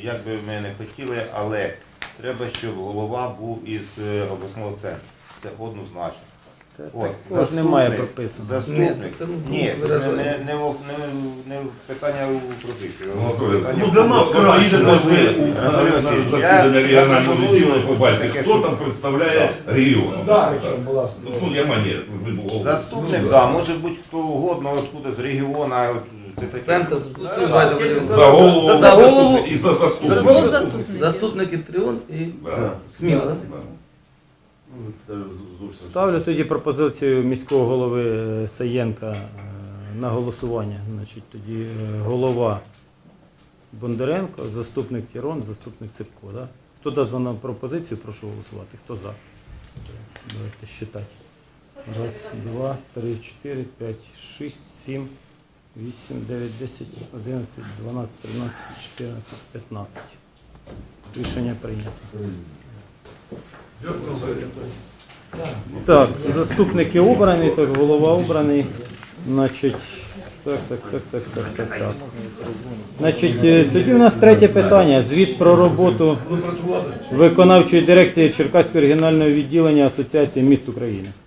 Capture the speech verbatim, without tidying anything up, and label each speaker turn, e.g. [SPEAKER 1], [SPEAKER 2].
[SPEAKER 1] як би ми не хотіли, але треба, щоб голова був із е, обласного центру. Це однозначно. От,
[SPEAKER 2] Також немає прописано.
[SPEAKER 1] Заступник.
[SPEAKER 3] Ні, це, ну,
[SPEAKER 1] Ні, не,
[SPEAKER 3] виражаю.
[SPEAKER 1] не, не, в- не, не в питання у прописці.
[SPEAKER 4] Ну, для нас краще, ми на засідання регіонального відділу побачити, хто там представляє регіон. Ну, я манер, ви був.
[SPEAKER 1] Заступник, да, може бути хто угодно, откуда з регіону. от це таке.
[SPEAKER 3] Центр
[SPEAKER 4] За голову,
[SPEAKER 3] За голову
[SPEAKER 4] і за заступника.
[SPEAKER 5] Голову заступник.
[SPEAKER 3] заступники Тріон і
[SPEAKER 4] Да.
[SPEAKER 3] Сміла. да?
[SPEAKER 2] Ставлю тоді пропозицію міського голови е, Саєнка е, на голосування. Значить, тоді е, голова Бондаренко, заступник Тірон, заступник Ципко. Да? Хто дасть за нам пропозицію, прошу голосувати. Хто за? Давайте считати. Раз, два, три, чотири, п'ять, шість, сім, вісім, дев'ять, десять, одинадцять, дванадцять, тринадцять, чотирнадцять, п'ятнадцять. Рішення прийнято. Так, заступники обрані, так, голова обраний. Значить, так, так, так, так, так, так, так. Значить, е, тоді в нас третє питання. Звіт про роботу виконавчої дирекції Черкаського регіонального відділення Асоціації міст України.